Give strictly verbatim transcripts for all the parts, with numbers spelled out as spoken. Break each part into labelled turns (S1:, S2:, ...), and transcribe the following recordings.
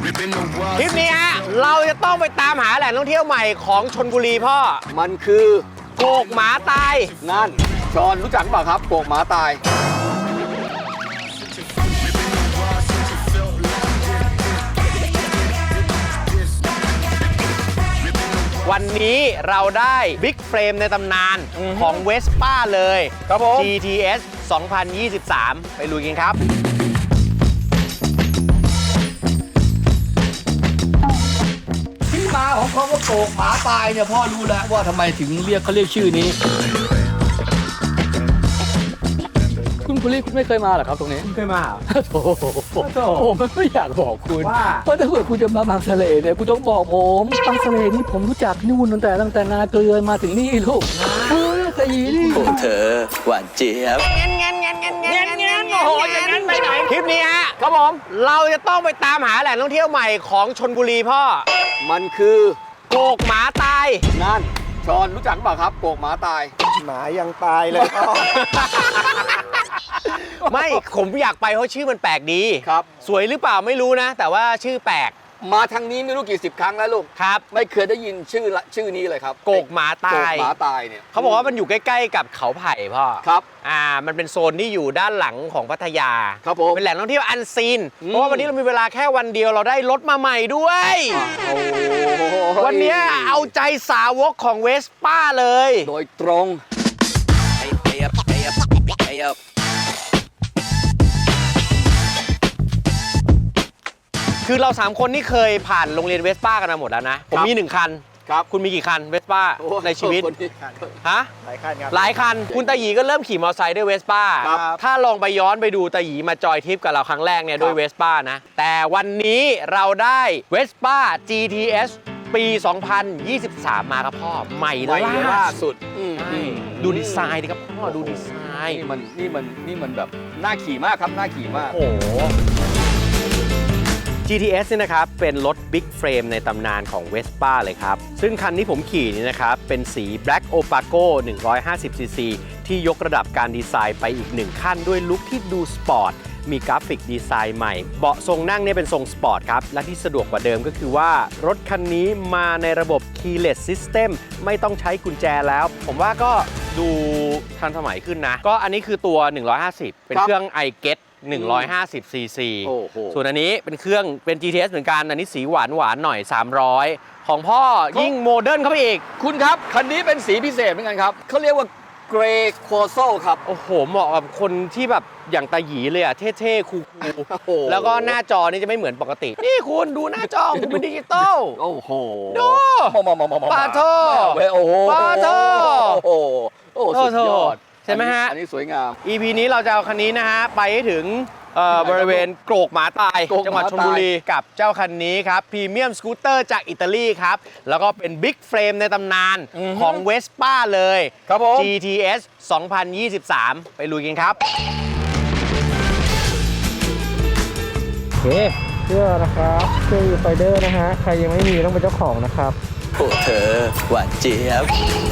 S1: คลิปนี้ฮะเราจะต้องไปตามหาแหล่งท่องเที่ยวใหม่ของชลบุรีพ่อ
S2: มันคือ
S1: โกกหมาตาย
S2: นั่นชอนรู้จักเปล่าครับโกกหมาตาย
S1: วันนี้เราได้บิ๊กเฟรมในตำนานของเวสป้าเลย
S2: ครับผม
S1: จี ที เอส สองพันยี่สิบสาม ไปลุยกันครับ
S2: ที่มาของคำว่าโกกหมาตายเนี่ยพ่อรู้แล้วว่าทำไมถึงเรียกเขาเรียกชื่อนี้คุณคุรีคุณไม่เคยมาหรอครับตรงนี้
S1: เคยมา
S2: โอ้โหผมไม่อยากบอกคุณเพราะถ้าเกิดคุณจะมาบางทะเลเนี่ยคุณต้องบอกผมบางทะเลนี่ผมรู้จักนู่นตั้งแต่ตั้งแต่นาเกลือมาถึงนี่ลูกเฮ้ยแต่ยีนี่
S3: โอ้เธอหวานเจี๊ยบ
S1: งั้นงั้นงั้นงั้นงั้นงั้นโอ้โหอย่างนั้นไปไหนคลิปนี้ฮะครับผมเราจะต้องไปตามหาแหล่งท่องเที่ยวใหม่ของชลบุรีพ่อ
S2: มันคือ
S1: โกกหมาตาย
S2: นั่นชอนรู้จักเปล่าครับโกกหมาตาย
S4: หมายังตายเลยพ่อ
S1: ไม่ผมอยากไปเพราะชื่อมันแปลกดี
S2: ครับ
S1: สวยหรือเปล่าไม่รู้นะแต่ว่าชื่อแปลก
S2: มาทางนี้ไม่รู้กี่สิบครั้งแล้วลูก
S1: ครับ
S2: ไม่เคยได้ยินชื่อชื่อนี้เลยครับ
S1: โกกหมาตาย
S2: โกกหมาตายเนี่ย
S1: เขาบอกว่ามันอยู่ใกล้ๆกับเขาไผ่พ่อ
S2: ครับ
S1: อ่ามันเป็นโซนที่อยู่ด้านหลังของพัทยา
S2: ครับผม
S1: เป็นแหล่งท่องเที่ยวอันซีนเพราะว่าวันนี้เรามีเวลาแค่วันเดียวเราได้รถมาใหม่ด้วยวันนี้เอาใจสาวกของเวสป้าเลย
S2: โดยตรง
S1: คือเราสามคนนี่เคยผ่านโรงเรียนเวสป้ากันมาหมดแล้วนะผมมีหนึ่งคัน
S2: ครับ
S1: คุณมีกี่คันเวสป้าในชีวิตฮะ
S4: หลายคันครับ
S1: หลายคันคุณตาหยีก็เริ่มขี่มอเตอร์ไซค์ด้วยเวสป้าถ้าลองไปย้อนไปดูตาหยีมาจอยทริปกับเราครั้งแรกเนี่ยด้วยเวสป้านะแต่วันนี้เราได้เวสป้า จี ที เอส ปี สองพันยี่สิบสาม มาครับพ่อใหม่ล่าสุดดูดีไซน์ดิครับพ่อดูดีไซน์
S2: นี่มันนี่มันนี่มันแบบน่าขี่มากครับน่าขี่มาก
S1: โอ้จี ที เอส นี่นะครับเป็นรถ Big Frame ในตำนานของ Vespa เลยครับซึ่งคันที่ผมขี่นี่นะครับเป็นสี Black Opaco หนึ่งร้อยห้าสิบ ซี ซี ที่ยกระดับการดีไซน์ไปอีกหนึ่งขั้นด้วยลุคที่ดูสปอร์ตมีกราฟิกดีไซน์ใหม่เบาะทรงนั่งเนี่ยเป็นทรงสปอร์ตครับและที่สะดวกกว่าเดิมก็คือว่ารถคันนี้มาในระบบ Keyless System ไม่ต้องใช้กุญแจแล้วผมว่าก็ดูทันสมัยขึ้นนะก็อันนี้คือตัวหนึ่งร้อยห้าสิบเป็นเครื่อง i getหนึ่งร้อยห้าสิบ ซี ซี ส่วนอันนี้เป็นเครื่องเป็น จี ที เอส เหมือนกันอันนี้สีหวานหวานหน่อยสามร้อยของพ่อยิ่งโมเดิร์นเข้าไปอีก
S2: คุณครับคันนี้เป็นสีพิเศษเหมือนกันครับเขาเรียกว่าเกรย์โคโซครับ
S1: โอ้โหเหมาะกับคนที่แบบอย่างตาหยีเลยอ่ะเท่ๆคูลๆแล้วก็หน้าจอนี่จะไม่เหมือนปกตินี่คุณดูหน้าจอคุณเป็นดิจิตอล
S2: โอ้โห
S1: ดูปาโท
S2: โอ้โห
S1: ปาโท
S2: โอ้โหสุดยอด
S1: ใช่ไหมฮะ
S2: อันนี้สวยงาม
S1: อี พี นี้เราจะเอาคันนี้นะฮะไปให้ถึงบริเวณโกกหมาตายจังหวัดชลบุรีกับเจ้าคันนี้ครับพรีเมียมสกูตเตอร์จากอิตาลีครับแล้วก็เป็นบิ๊กเฟรมในตำนานของเวสป้าเลย
S2: ครับผม
S1: จี ที เอส สองพันยี่สิบสาม ไปลุยกันครับ
S4: โอเคเสื้อนะครับเสื้อไฟเดอร์นะฮะใครยังไม่มีต้องเป็นเจ้าของนะครับ
S3: โอ้เธอหวานเจี๊ยบ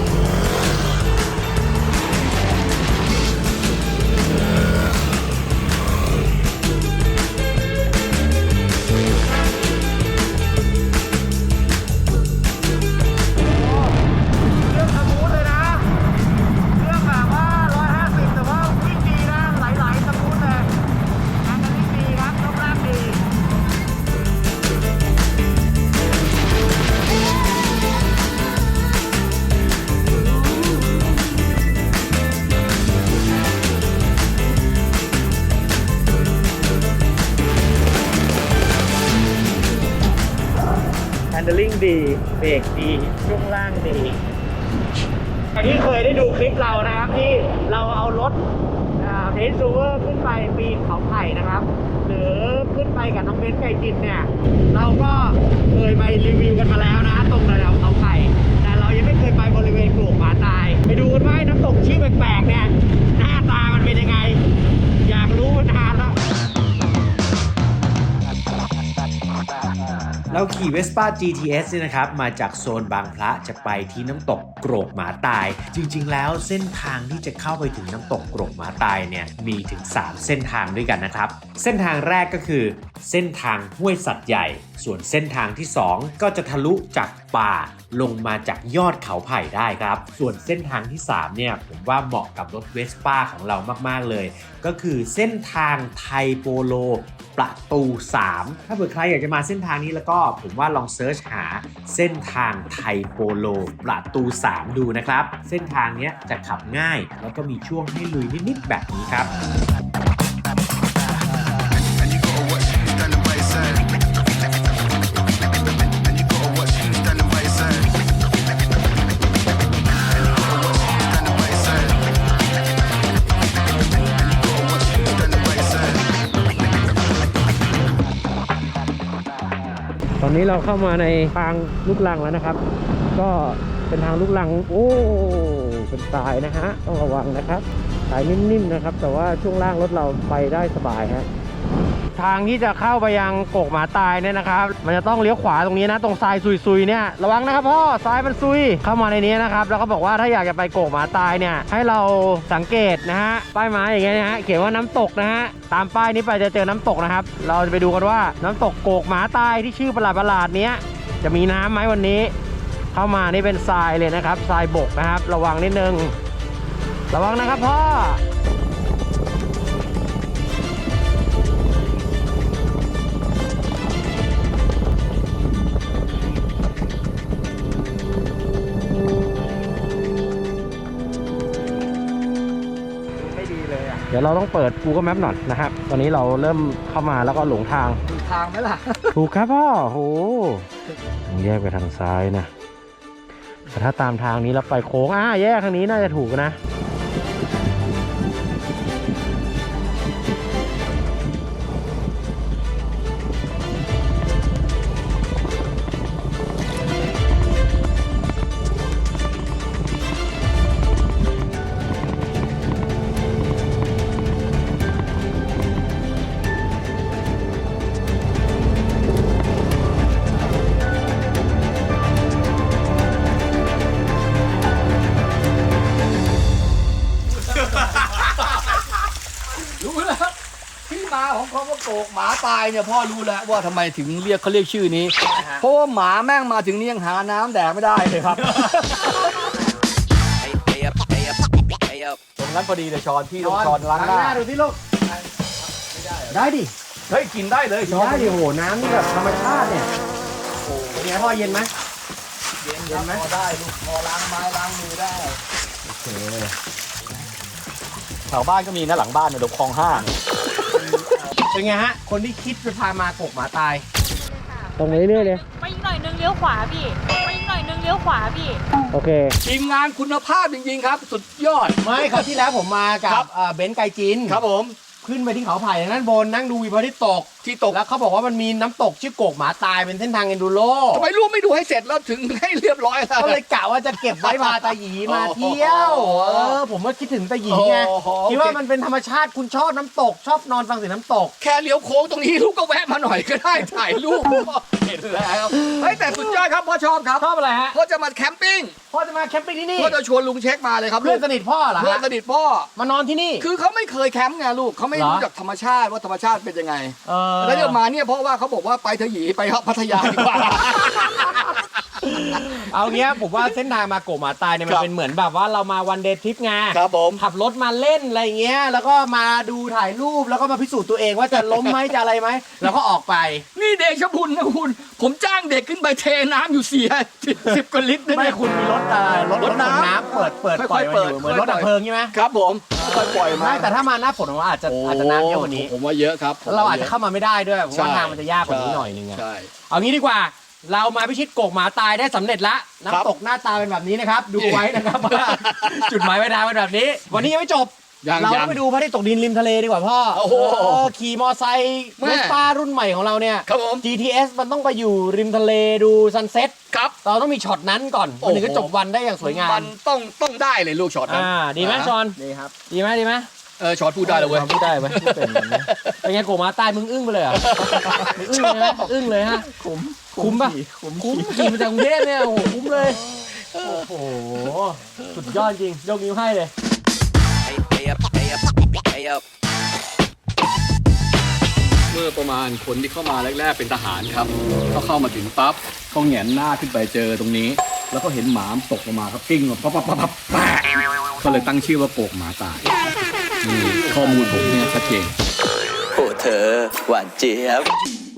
S1: แฮนด์ลิ่งดีเบรกดีช่วงล่างดีที่เคยได้ดูคลิปเรานะครับที่เราเอารถเทสซูเวอร์ขึ้นไปปีนเขาไผ่นะครับหรือขึ้นไปกับน้องเบนซ์ไก่จินเนี่ยเราก็เคยไปรีวิวกันมาแล้วนะตรงระดับเขาไผ่แต่เรายังไม่เคยไปบริเวณโกกหมาตายไปดูกันว่าน้ำตกชื่อแปลกๆเนี่ยหน้าตามันเป็นยังไงอยากรู้มานานแล้วเราขี่ Vespa จี ที เอส เนี่ยนะครับมาจากโซนบางพระจะไปที่น้ำตกโกรกหมาตาย จริงๆแล้วเส้นทางที่จะเข้าไปถึงน้ำตกโกรกหมาตายเนี่ยมีถึงสามเส้นทางด้วยกันนะครับเส้นทางแรกก็คือเส้นทางห้วยสัตว์ใหญ่ส่วนเส้นทางที่สองก็จะทะลุจากป่าลงมาจากยอดเขาไผ่ได้ครับส่วนเส้นทางที่สามเนี่ยผมว่าเหมาะกับรถเวสป้าของเรามากๆเลยก็คือเส้นทางไทยโปโลประตูสามถ้าเผื่อใครอยากจะมาเส้นทางนี้แล้วก็ผมว่าลองเซิร์ชหาเส้นทางไทยโปโลประตูสามดูนะครับเส้นทางนี้จะขับง่ายแล้วก็มีช่วงให้ลุยนิดๆแบบนี้ครับ
S4: ตอนนี้เราเข้ามาในทางลูกรังแล้วนะครับ ก็เป็นทางลูกรังโอ้เป็นทรายนะฮะต้องระวังนะครับทรายนิ่มๆนะครับแต่ว่าช่วงล่างรถเราไปได้สบายฮะทางที่จะเข้าไปยังโกกหมาตายเนี่ยนะครับมันจะต้องเลี้ยวขวาตรงนี้นะตรงทรายซุยๆเนี่ยระวังนะครับพ่อทรายมันซุยเข้ามาในนี้นะครับแล้วก็บอกว่าถ้าอยากจะไปโกกหมาตายเนี่ยให้เราสังเกตนะฮะป้ายไม้อย่างเงี้ยนะฮะเขียนว่าน้ำตกนะฮะตามป้ายนี้ไปจะเจอน้ำตกนะครับเราจะไปดูกันว่าน้ำตกโกกหมาตายที่ชื่อประหลาดๆเนี้ยจะมีน้ำไหมวันนี้เข้ามานี่เป็นทรายเลยนะครับทรายบกนะครับระวังนิดนึงระวังนะครับพ่อเดี๋ยวเราต้องเปิด Google Map หน่อยนะครับตอนนี้เราเริ่มเข้ามาแล้วก็หลงทาง
S2: ถูกทางไหมล่ะ
S4: ถูกครับพ่อโหแยกไปทางซ้ายนะแต่ถ้าตามทางนี้เราไปโค้งอ่าแยกทางนี้น่าจะถูกนะ
S2: รู้แล้วที่มาของคำว่าโกกหมาตายเนี่ยพ่อรู้แล้วว่าทำไมถึงเรียกเขาเรียกชื่อนี้เพราะว่าหมาแม่งมาถึงนี่ยังหาน้ำแดกไม่ได้เลยครับตรงนั้นพอดีเลยช้อนพี่ต้องช้อนล้างหน้า
S1: ดูที่ลูกได้ดิ
S2: เฮ้ยกินได้เลยช้อน
S1: ได้ดิโหน้ำนี่แบบธรรมชาติเนี่ยโอ้เป็นไงพ่อเย็นไหม
S2: เย็นเย็นไหมพอได้ลูกพอล้างไม้ล้างมือได้โอเคแถวบ้านก็มีนะหลังบ้านเนี่ยตรงคลองห้า
S1: เป็นไงฮะคนที่คิดจะพามาโกกหมาตาย
S4: ตรงไปเรื่อยๆเลย
S5: ไปอีกหน่อยนึงเลี้ยวขวาพี่ไปอีกหน่อยนึงเลี้ยวขวาพี่
S4: โอเค
S2: ทีมงานคุณภาพจริงๆครับสุดยอด
S1: ไม่คราวที่แล้วผมมากับเบนซ์ไกจิน
S2: ครับผม
S1: ขึ้นไปที่เขาไผ่นั้นบนนั่งดูวิวพระอาทิตย์ตกที่ตกแล้วเขาบอกว่ามันมีน้ำตกชื่อโกกหมาตายเป็นเส้นทางเอนดูโร
S2: ทำไมลูกไม่ดูให้เสร็จแล้วถึงให้เรียบร้อยแล้ว
S1: ก็เลยกะว่าจะเก็บไว้พาตาหยีมาเที่ยวเออผมก็คิดถึงตาหยีไงคิดว่ามันเป็นธรรมชาติคุณชอบน้ำตกชอบนอนฟังเสียงน้ำตก
S2: แค่เลี้ยวโค้งตรงนี้ลูกก็แวะมาหน่อยก็ได้ถ่ายรูปเห็นแล้วเฮ้ยแต่สุดยอดครับพ่อชอบครับ
S1: ชอบอะไรฮะ
S2: พ่อจะมาแคมปิ้ง
S1: พ่อจะมาแคมปิ้งที่นี่
S2: พ่อจะชวนลุงเช็คมาเลยครับ
S1: เพื่อนสนิทพ่อเหรอ
S2: เพื่อนสนิทพ่อ
S1: มานอนที่นี่
S2: คือเขาไม่เคยแคมป์ไงลูกเขาไม่รู้จักธรรมชาติว่าธรรมชาติเป็นยังไงแล้วเดี๋ยวมาเนี่ยเพราะว่าเขาบอกว่าไปเถอะหยีไปพัทยาดีกว่า
S1: เอาเงี้ยผมว่าเส้นทางมาโกกหมาตายเนี่ยมันเป็นเหมือนแบบว่าเรามาวันเดย์ทริปไง
S2: ครับผม
S1: ขับรถมาเล่นอะไรเงี้ยแล้วก็มาดูถ่ายรูปแล้วก็มาพิสูจน์ตัวเองว่าจะล้มไหมจะอะไรไหมแล้วก็ออกไป
S2: นี่เดชบุญนะคุณผมจ้างเด็กขึ้นไปเทน้ำอยู่เสียสิบกว่าลิตร
S1: ไม่คุณมีรถรถรถน้ำเปิดเปิดปล่อยมาอยู่เหมือนรถดับเพลิงใช่ไหม
S2: ครับผมค่อยปล่อยมา
S1: แต่ถ้ามาหน้าฝนผมว่าอาจจะอาจจะน้ำเยอะกว่านี้
S2: ผมว่าเยอะครับ
S1: เราอาจจะเข้ามาไม่ได้ด้วยเพราะว่าทางมันจะยากกว่านี้หน่อยนึงอะเอางี้ดีกว่าเรามาพิชิตโกกหมาตายได้สำเร็จละน้ำตกหน้าตาเป็นแบบนี้นะครับดูไว้นะครับว่าจุดหมายปลายทางเป็นแบบนี้วันนี้ยังไม่จบเราไปดูพระอาทิตย์ตกดินริมทะเลดีกว่าพ่อ
S2: โอ้โห
S1: ขี่มอไซค์เวสป้ารุ่นใหม่ของเราเนี่ย
S2: ครับผม
S1: จี ที เอส มันต้องไปอยู่ริมทะเลดูซันเซ็ต
S2: ครับ
S1: เราต้องมีช็อตนั้นก่อนมันถึงจะจบวันได้อย่างสวยงาม
S2: มันต้องต้องได้เลยลูกช็อตนั้น
S1: อ่าดีไหมชอน
S2: ดีครับ
S1: ดีไหมดีไหม
S2: เออช็อตพูดได้เลยเว้ย
S4: พูดได้ไหมไม่เป็นแบบนี้เป็นไงโกมาใต้มึงอึ้งไปเลยเหรอมึงอึ้งเลยนะอึ้งเลยฮะคุ้มคุ้มป่ะคุ้มขี่มาจากกรุงเทพเนี่ยโอ้โหคุ้มเลยโอ้โหสุดยอดจริงยกนิ้วให้เลย
S2: เมื่อประมาณคนที่เข้ามาแรกๆเป็นทหารครับเขาเข้ามาถึงปั๊บเขาแหงนหน้าขึ้นไปเจอตรงนี้ แล้วก็เห็นหมาตกลงมาครับกิ้งมาปั๊บปั๊บปั๊บปั๊บแปะก็เลยตั้งชื่อว่าโกกหมาตายนี่ข้อมูลผมเนี่ยชัดเจน
S3: โอ้เธอ หวานเจี๊ยบ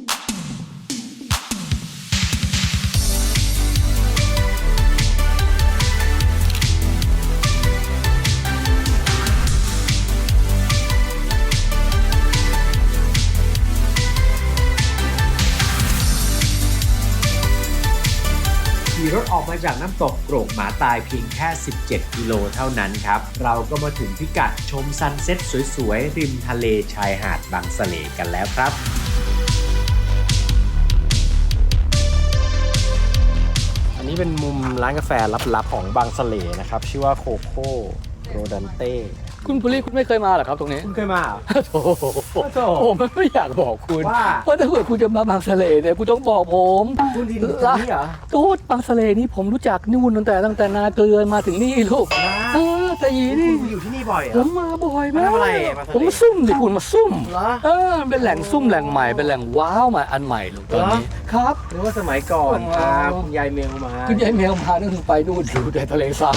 S1: ขี่รถออกมาจากน้ำตกโกรกหมาตายเพียงแค่ สิบเจ็ด กิโลเท่านั้นครับ เราก็มาถึงพิกัดชมซันเซ็ตสวยๆ ริมทะเลชายหาดบางสะเลกันแล้วครับ อันนี้เป็นมุมร้านกาแฟลับๆของบางสะเลนะครับ ชื่อว่าโคโค่โรดันเต้
S2: คุณปุริคุณไม่เคยมาเหรอครับตรงนี้
S1: คุณเคยมาเหรอ
S2: โอ้โหผมไม่อยากบอกคุณ
S1: ว่า
S2: เพราะถ้าเกิดคุณจะมาบางสะเลเนี่ยคุณต้องบอกผม
S1: คุณทีนี้เหรอ
S2: ตูดบางสะเลนี่ผมรู้จักนู่นตั้งแต่ตั้งแต่นาเกลือมาถึงนี่ลูก
S1: นะ
S2: เออแต่ยี
S1: คุ
S2: นี่
S1: ณอยู่ที่นี่บ่อยเหร
S2: ผ
S1: อ
S2: มมาบ่อย
S1: มา
S2: มา
S1: ทำอะไร
S2: ก
S1: มาทะเล
S2: ผมมาซุ่มดิคุณมาซุ่ม
S1: เหรอ
S2: เออมันเป็นแหล่งซุ่มแหล่งใหม่เป็นแหล่งว้าวใหม่อันใหม่ลูกตอนนี้ครับ
S1: หรือว่าสมัยก่อน
S2: อ๋อ
S1: พาคุณยายเมลมา
S2: คุณยายแมวมานั่นไปนู่นอยู่ในทะเลทราย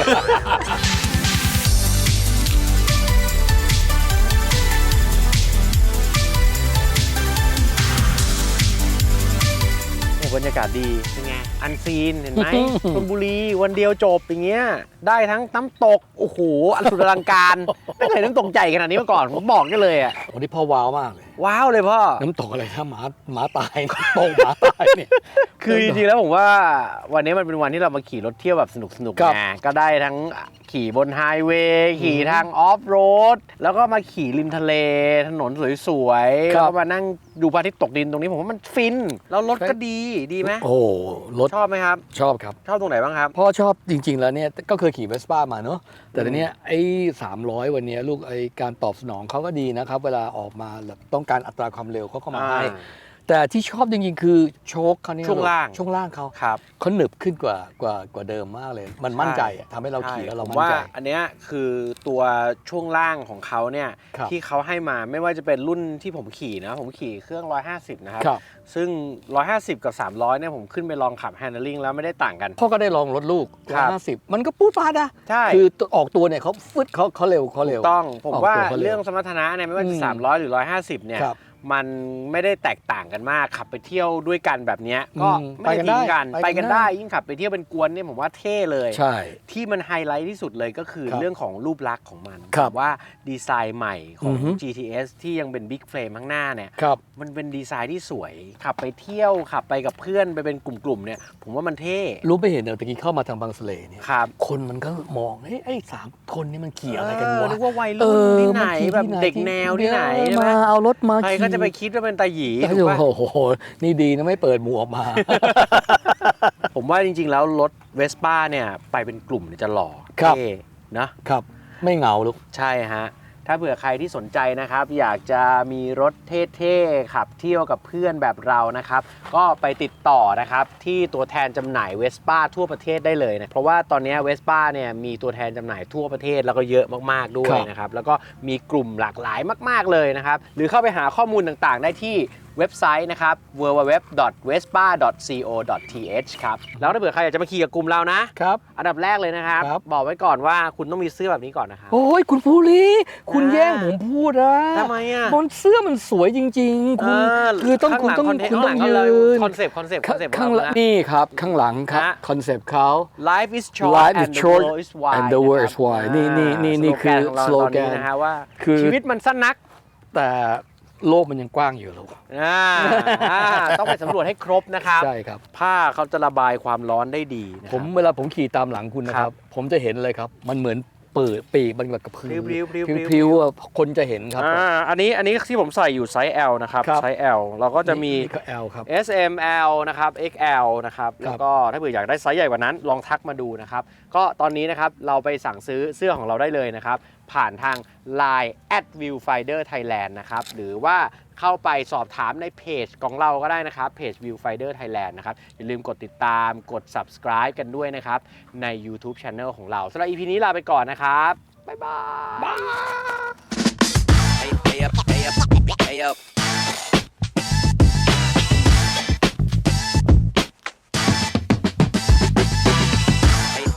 S1: โอ้บรรยากาศดีเป็นไงอันซีนเห็นไหม ชลบุรีวันเดียวจบอย่างเงี้ยได้ทั้งน้ำตกโอ้โหอันสุดอลังการ ไม่เคยน้ำตกใหญ่ขนาดนี้มาก่อนผมบอกกันเลยอ่ะ
S2: วันนี้พ่อว้าวมากเลย
S1: ว้าวเลยพ่อ
S2: น้ำตกอะไรถ้าหมาหมาตายตกหมาตายเนี่ย
S1: คือจริงๆแล้วผมว่าวันนี้มันเป็นวันที่เรามาขี่รถเที่ยวแบบสนุกๆ
S2: ครับ
S1: ไงก็ได้ทั้งขี่บนไฮเวย์ขี่ทางออฟโรดแล้วก็มาขี่ริมทะเลถนนสวยๆ
S2: ครั
S1: แล้ว
S2: บ
S1: ก็มานั่งดูพระอาทิตย์ตกดินตรงนี้ผมว่ามันฟินแล้วรถก็ดีดีไหม
S2: โอ้โหรถ
S1: ชอบไหมครับ
S2: ชอบครับ
S1: ชอบตรงไหนบ้างครับ
S2: พ่อชอบจริง ๆ แล้วเนี่ยก็เคยขี่เวสป้ามาเนอะแต่ทีเนี้ยไอ้สามร้อยวันเนี้ยลูกไอ้การตอบสนองเขาก็ดีนะครับ เวลาออกมาแบบต้องการอัตราความเร็วเขาก็มาให้
S1: อ่า
S2: แต่ที่ชอบจริง ๆ คือโชคเขาเนี่ย
S1: ช่วงล่าง
S2: ช่วงล่างเขา
S1: ครับ
S2: เขาหนึบขึ้นกว่ากว่ากว่าเดิมมากเลย มันมั่นใจอะทำให้เราขี่แล้วเรา
S1: ผม
S2: มั่น
S1: ว่า
S2: ใจ
S1: อันเนี้ยคือตัวช่วงล่างของเขาเนี่ย
S2: ครับ
S1: ที่เขาให้มาไม่ว่าจะเป็นรุ่นที่ผมขี่นะผมขี่เครื่องหนึ่งร้อยห้าสิบนะครับ
S2: ครับ
S1: ซึ่งหนึ่งร้อยห้าสิบกับสามร้อยเนี่ยผมขึ้นไปลองขับ handling แล้วไม่ได้ต่างกัน
S2: พ่อก็ได้ลองรถลูก
S1: ครับ
S2: ห้าสิบมันก็ปูดปาดอะ
S1: ใช่
S2: คือออกตัวเนี่ยเขาฟึดเขาเขาเร็วเขาเร็ว
S1: ต้องผม
S2: ออก
S1: ว่า
S2: ตัวเขาเร็ว
S1: เรื่องสมรรถนะเนี่ยไม่ว่า
S2: อื
S1: จะ
S2: ม
S1: สามร้อยหรือหนึ่งร้อยห้าสิบเนี่ย
S2: ครับ
S1: มันไม่ได้แตกต่างกันมากขับไปเที่ยวด้วยกันแบบเนี้ยก็
S2: อืม
S1: ไม่ได้ทิ้งกัน
S2: ไป
S1: ไป
S2: กั
S1: กัน น
S2: ได้
S1: ได้ยิ่งขับไปเที่ยวเป็นกวนเนี่ยผมว่าเท่เลย
S2: ใช่
S1: ที่มันไฮไลท์ที่สุดเลยก็คือ
S2: ครับ
S1: เรื่องของรูปลักษณ์ของมัน
S2: ครับ
S1: ว่าดีไซน์ใหม่ของ
S2: อือฮึ
S1: จี ที เอส ที่ยังเป็นบิ๊กเฟรมข้างหน้าเนี่ย
S2: ครับ
S1: มันเป็นดีไซน์ที่สวย ขับไปเที่ยวขับไปกับเพื่อนไปเป็นกลุ่มๆเนี่ยผมว่ามันเท่
S2: รู้ไม่เห็นเดี๋ยวตะกี้เข้ามาทางบางสะเลเนี่ย
S1: ครับ
S2: คนมันก็มองเฮ้ยไอ้สามคนนี่มันขี่อะไรกัน
S1: เออ
S2: วะ
S1: นึกว่าวัยรุ่นที่ไหน
S2: มัขี่
S1: แบบ
S2: ที่
S1: เด็กแนวที่ไหนใช่ไหม
S2: มาเอารถมา
S1: ใครก็จะไปคิดว่าเป็นตาหยีถูกปะ
S2: โอ้โหนี่ดีนะไม่เปิดหมูออกมา
S1: ผมว่าจริงๆแล้วรถเวสป้าเนี่ยไปเป็นกลุ่มเนี่ยจะหล่อ
S2: ครับ
S1: เท่นะ
S2: ครับไม่เหงาลูก
S1: ใช่ฮะ ถ้าเผื่อใครที่สนใจนะครับ อยากจะมีรถเท่ๆขับเที่ยวกับเพื่อนแบบเรานะครับ ก็ไปติดต่อนะครับ ที่ตัวแทนจำหน่ายเวสป้าทั่วประเทศได้เลยนะ เพราะว่าตอนนี้เวสป้าเนี่ยมีตัวแทนจำหน่ายทั่วประเทศแล้วก็เยอะมากๆด้วยนะครับ แล้วก็มีกลุ่มหลากหลายมากๆเลยนะครับ หรือเข้าไปหาข้อมูลต่างๆ ได้ที่เว็บไซต์นะครับ ดับเบิลยู ดับเบิลยู ดับเบิลยู ดอท เวสป้า ดอท โค ดอท ที เอช ครับ แล้วถ้าเผื่อใครอยากจะมาขี่กับกลุ่มเรานะ
S2: ครับ
S1: อันดับแรกเลยนะครับ
S2: ครับ
S1: บอกไว้ก่อนว่าคุณต้องมีเสื้อแบบนี้ก่อนนะครับ
S2: โอ้ยคุณภูริคุณ
S1: อ่า
S2: แย่งผมพูดอะ
S1: ทำไมอ่ะ
S2: บนเสื้อมันสวยจริง ๆ คุณคือต้องคุณต้องคุณต้องยืน
S1: คอนเซปต์คอนเซปต์คอนเซปต์
S2: ข้างหลังนี่ครับข้างหลังครับ
S1: ฮะ
S2: คอนเซปต์เขา
S1: Life is short
S2: Life is
S1: and the
S2: short
S1: world is wide
S2: and the world is wide นี่นี่นี่นี่คือ
S1: สโลแกนของเราตอนนี้
S2: slogan
S1: นะฮะว่า
S2: คือ
S1: ชีวิตมันสั้นนัก
S2: แต่โลกมันยังกว้างอยู่ลูก
S1: อ่าอ่าต้องไปสำรวจให้ครบนะครับ
S2: ใช่ครับ
S1: ผ้าเขาจะระบายความร้อนได้ดีนะค
S2: ผ
S1: รับ
S2: มเวลาผมขี่ตามหลังคุณนะค
S1: ครั
S2: รับ
S1: บ
S2: ผมจะเห็นเลยครับ มันเหมือนเปิดปีกมันแบบกระพือ
S1: พริ้วๆพริ้วๆ
S2: พริ้วๆอะคนจะเห็นครับ
S1: อ่าอันนี้อันนี้ที่ผมใส่อยู่ไซส์ L นะครับ
S2: ครับ
S1: ไซส์ L เราก็จะมี
S2: นี่ก็ L ครับ
S1: เอส เอ็ม แอล นะครับ เอ็กซ์ แอล นะครับ แล้วก็ถ้าเผื่ออยากได้ไซส์ใหญ่กว่านั้นลองทักมาดูนะครับ ก็ตอนนี้นะครับเราไปสั่งซื้อเสื้อของเราได้เลยนะครับผ่านทาง ไลน์ แอท viewfinder thailand นะครับหรือว่าเข้าไปสอบถามในเพจของเราก็ได้นะครับเพจ viewfinder thailand นะครับอย่าลืมกดติดตามกด subscribe กันด้วยนะครับใน YouTube Channel ของเราสำหรับ อี พี นี้ลาไปก่อนนะครับบ๊ายบาย
S3: Hey, hey up, hey up, hey up.